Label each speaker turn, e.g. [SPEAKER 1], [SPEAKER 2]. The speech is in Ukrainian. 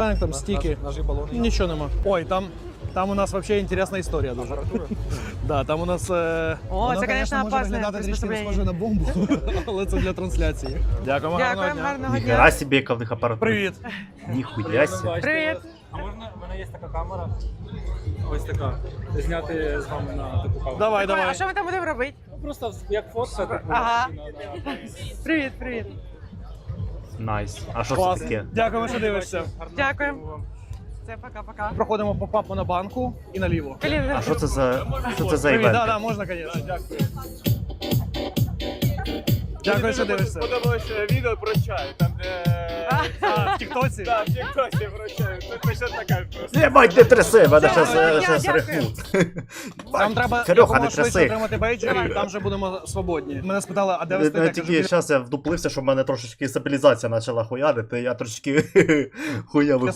[SPEAKER 1] знімаємо, там стіки.
[SPEAKER 2] Ножи, балони.
[SPEAKER 1] Нічого нема. Ой, там у нас взагалі інтересна історія дуже. Да, там у нас...
[SPEAKER 3] О, це, звісно,
[SPEAKER 1] може
[SPEAKER 3] опасне
[SPEAKER 1] виглядати трішки не
[SPEAKER 3] приспособлення.
[SPEAKER 1] схоже на бомбу, але це для трансляції. Дякуємо, гарного
[SPEAKER 3] Дякуємо,
[SPEAKER 1] дня.
[SPEAKER 3] гарного дня.
[SPEAKER 4] Ніхера собі, яка в них апаратура.
[SPEAKER 1] Привіт.
[SPEAKER 4] Ніхуя себе.
[SPEAKER 3] Привіт.
[SPEAKER 2] А можна, в мене є така камера, ось така, зняти з вами на таку камеру.
[SPEAKER 1] Давай,
[SPEAKER 3] А
[SPEAKER 1] давай.
[SPEAKER 3] що ми там будемо робити?
[SPEAKER 2] Ну, просто як фотка, так
[SPEAKER 3] Ага. Привіт, привіт.
[SPEAKER 4] Найс. А що це
[SPEAKER 1] Клас.
[SPEAKER 4] таке?
[SPEAKER 1] Дякуємо, що дивишся.
[SPEAKER 3] Дякуємо. Це пока-пока.
[SPEAKER 1] Проходимо по папу на банку і наліво.
[SPEAKER 4] А що це за
[SPEAKER 1] Привіт,
[SPEAKER 4] івент?
[SPEAKER 1] да, можна, звісно. Дякую. Дякую, що дивишся.
[SPEAKER 5] Подобалось відео про чай, там де...
[SPEAKER 1] А, в тіктоці?
[SPEAKER 5] Так, в тіктоці про чай, це точно така просто.
[SPEAKER 4] Єбать, не тряси, мене
[SPEAKER 3] Дякую,
[SPEAKER 4] щас
[SPEAKER 3] дякую.
[SPEAKER 4] рехнуть.
[SPEAKER 1] Там треба
[SPEAKER 4] Серега,
[SPEAKER 1] якомога
[SPEAKER 4] не
[SPEAKER 1] швидше
[SPEAKER 4] тряси.
[SPEAKER 1] отримати бейджер, і там вже будемо свободні. Мене спитали, а де ви
[SPEAKER 4] Ну,
[SPEAKER 1] стоїте?
[SPEAKER 4] тільки
[SPEAKER 1] Кажу,
[SPEAKER 4] зараз я вдуплився, що в мене трошечки стабілізація почала хуярити, я трошечки хуявив